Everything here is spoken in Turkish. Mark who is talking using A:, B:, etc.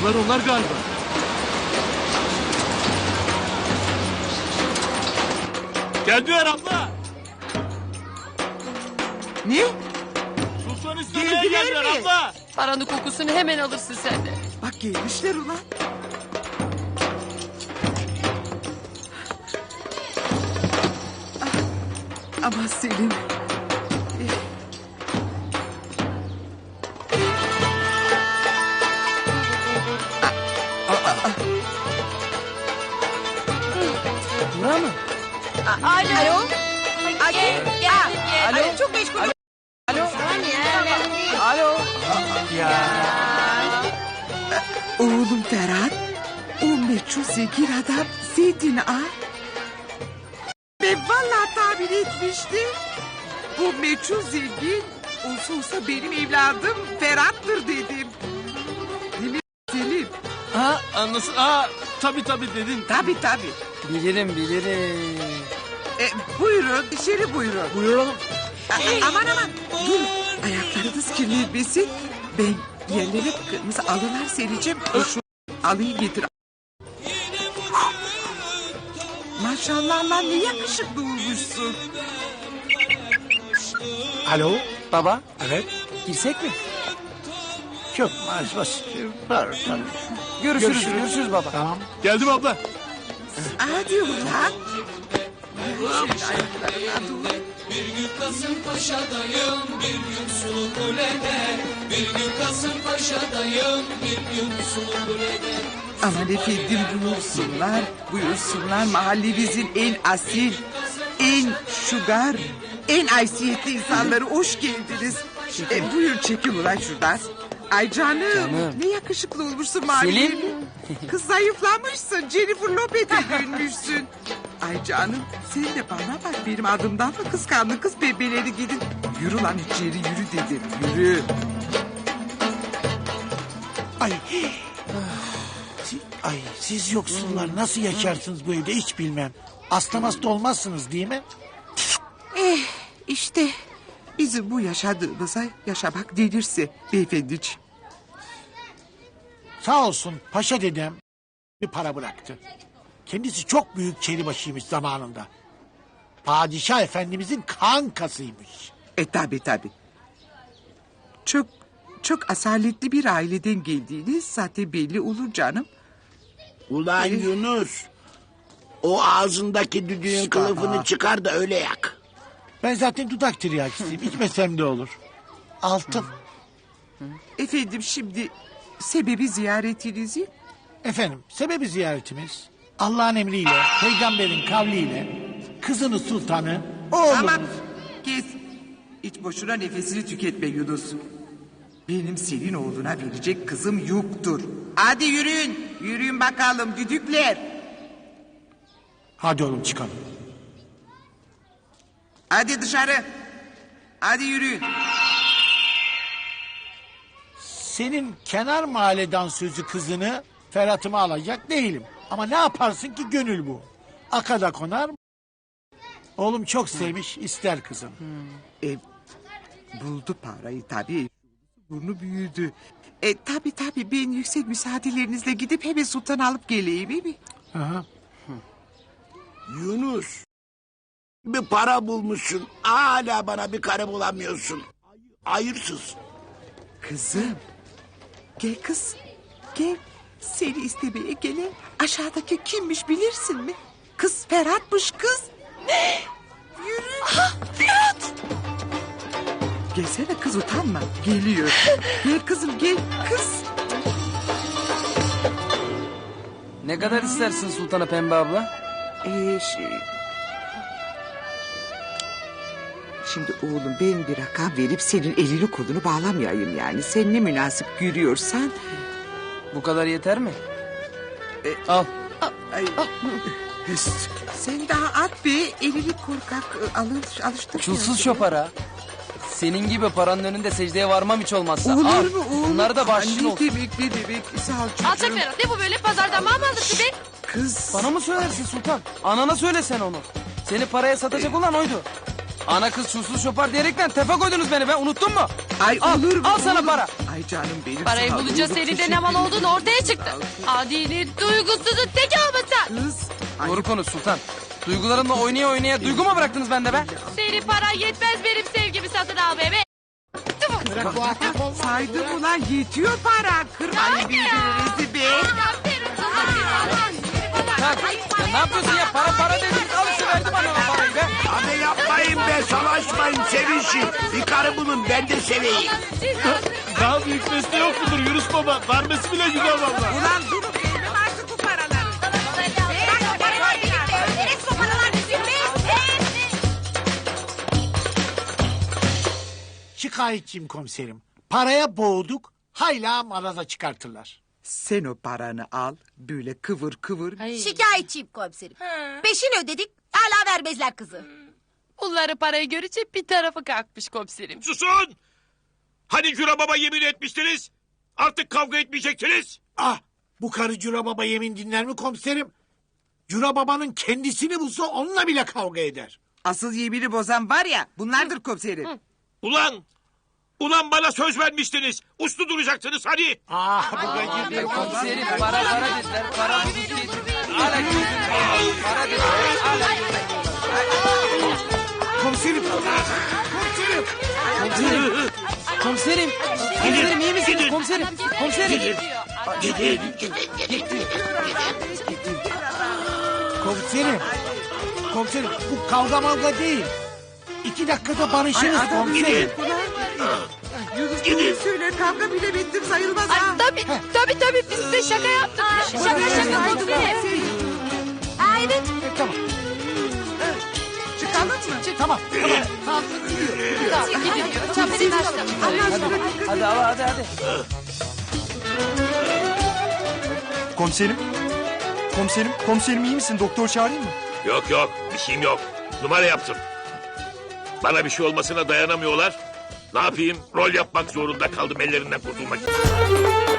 A: Onlar galiba. Geldiler abla.
B: Ne?
A: Sultan istemeye
B: Geldiler
A: geldiler
B: mi?
A: abla.
C: Paranın kokusunu hemen alırsın sen de.
B: Bak gelmişler ulan. Ama Selim.
C: Bura mı?
B: Alo.
C: Gel.
B: Alo. Çok meşgul.
C: Alo. Alo.
B: Oğlum Ferhat. O meçhul zengin adam Zeytin Ağa. Ben vallahi tahmin etmiştim. Bu meçhul zengin olsa benim evladım Ferhat'tır dedim. Değil mi Selim?
A: Ha anlasın. Tabii dedin.
B: Tabii.
C: Bilirim.
B: Buyurun içeri buyurun.
A: Buyuralım.
B: Aman dur. Ayaklarınız kirlenmesin. Ben yerlere kırmızı alılar sereceğim. Şu alıyı getir. Maşallah lan ne yakışıklı olmuşsun.
D: Alo?
C: Baba
D: Evet.
C: girsek mi?
D: Çok basit. Var tabii.
C: Görüşürüz baba.
D: Tamam.
A: Geldim abla.
B: Hadi ulan. Şöyle ayaklarına dur. Aman efendim buyursunlar mahallemizin en asil, en şugar, en haysiyetli insanları hoş geldiniz. Buyur çekin ulan şuradan. Ay canım. Ne yakışıklı olmuşsun mahallem.
C: Selim.
B: Kız zayıflamışsın, Jennifer Lopez'e dönmüşsün. Ay canım sen de bana bak benim adımdan mı kıskandın kız bebeleri gidin. Yürü lan içeri yürü dedim yürü.
D: Ay siz yoksullar nasıl yaşarsınız bu evde hiç bilmem. Hasta olmazsınız değil mi?
B: İşte bizim bu yaşadığımıza yaşamak denirse beyefendiciğim.
D: Sağ olsun paşa dedem bir para bıraktı. Kendisi çok büyük çelibaşıymış zamanında. Padişah efendimizin kankasıymış.
B: Tabii. Çok asaletli bir aileden geldiğiniz zaten belli olur canım.
E: Ulan Yunus, o ağzındaki düdüğün kılıfını çıkar da öyle yak.
D: Ben zaten dudak tiryakisiyim. İçmesem de olur. Altın.
B: Efendim şimdi sebebi ziyaretinizi?
D: Efendim sebebi ziyaretimiz Allah'ın emriyle, peygamberin kavliyle kızını sultanı oğlumuz.
B: Tamam kes. Hiç boşuna nefesini tüketme Yunus. Benim senin oğluna verecek kızım yoktur. Hadi yürüyün bakalım düdükler.
D: Hadi oğlum çıkalım.
B: Hadi dışarı. Hadi yürüyün.
D: Senin kenar mahalleden sözü kızını Ferhat'ıma alacak değilim. Ama ne yaparsın ki gönül bu. Akada konar mı? Oğlum çok sevmiş ister kızım.
B: Buldu parayı tabii. Burnu büyüdü. Tabii ben yüksek müsaadelerinizle gidip hemen sultan alıp geleyim iyi mi?
D: Aha.
E: Yunus, bir para bulmuşsun, hala bana bir karı bulamıyorsun. Hayırsız.
B: Kızım. Gel kız. Gel. Seni istemeye gelen aşağıdaki kimmiş bilirsin mi? Kız Ferhat'mış kız. Ne? Yürü. Ferhat. Gelsene kız utanma. Geliyor. Gel kızım gel. Kız.
C: Ne kadar istersin Sultan'a Pembe abla?
B: Şimdi oğlum ben bir rakam verip senin elini kolunu bağlamayayım yani. Sen ne münasip görüyorsan.
C: Bu kadar yeter mi? Al.
B: Ay. Sen daha at be elini korkak alıştır.
C: Çulsuz şopara. Senin gibi paranın önünde secdeye varmam hiç olmazsa.
B: Olur
C: Al.
B: mu oğlum?
C: Bunları da bahşişin
B: Ne
C: olsun.
B: demek sağ ol çocuğum.
F: Alçak Ferhat ne bu böyle pazardan mal mı alırsın be?
B: Kız.
C: Bana mı söylersin Sultan? Anana söylesen onu. Seni paraya satacak olan oydu. Ana kız çulsuz şopar diyerekten tefe koydunuz beni be unuttun mu?
B: Ay
C: Al,
B: olur mu?
C: al sana
B: olur.
C: para.
B: Ay canım benim.
F: Parayı
B: sağ ol,
F: bulunca
B: olur,
F: senin de
B: teşekkür
F: ne mal
B: ederim.
F: olduğunu ortaya çıktı. Adili, duygusuzun teki olmasa.
B: Kız. Ay,
C: Doğru konuş Sultan. Duygularımla oynaya oynaya duygu mu bıraktınız bende be?
F: Senin paran yetmez benim sevgimi satın almaya be.
D: Bırak bu atak olmaz.
B: saydım ulan yetiyor para. Kırmayın birbirinizi be.
C: Sen, ya ne yapıyorsun ya? Para dediniz. Al işte verdim anneme parayı be.
E: Hadi yapmayın be savaşmayın sevişin. Bir karı bulun ben de seveyim.
A: Daha büyük beste yok mudur Yunus Baba? Vermesi bile güzel valla.
B: Ulan durun vermem artık bu paraları.
D: Şikayetçiyim komiserim. Paraya boğduk, hayla maraza çıkartırlar.
B: Sen o paranı al böyle kıvır kıvır.
G: Şikayetçiyim komiserim. Peşin ödedik hala vermezler kızı.
F: Bunları parayı görünce bir tarafı kalkmış komiserim.
H: Susun! Hani Cura Baba yemin etmiştiniz? Artık kavga etmeyeceksiniz.
D: Ah, bu karı Cura Baba yemin dinler mi komiserim? Cura Baba'nın kendisini bulsa onunla bile kavga eder.
B: Asıl yemini bozan var ya bunlardır komiserim.
H: Ulan! Ulan bana söz vermiştiniz. Uslu duracaksınız hani.
D: Ah, bu gacı
C: Komiserim para dediler. Para dediler. Hala gözüm. Para dediler. Hala
D: komiserim. Komiserim.
C: Komiserim. Komiserim iyi misiniz?
H: Gidin.
C: Komiserim. Komiserim.
H: Gidin.
D: Komiserim. Komiserim bu kavga mavga değil. 2 dakikada barışırız komiserim.
B: Yunus doğru söyler kavga bile bittim sayılmaz ha.
F: Ay, tabii biz de şaka yaptık. Şaka komiserim.
G: Ha evet.
D: Tamam.
B: Çıkalım mı?
D: Tamam.
F: Tamam gidiyor. Çabuk başla.
C: Hadi.
I: Komiserim iyi misin? Doktor çağırayım mı?
H: Yok bir şeyim yok. Numara yaptım. Bana bir şey olmasına dayanamıyorlar. Ne yapayım? Rol yapmak zorunda kaldım ellerinden kurtulmak için.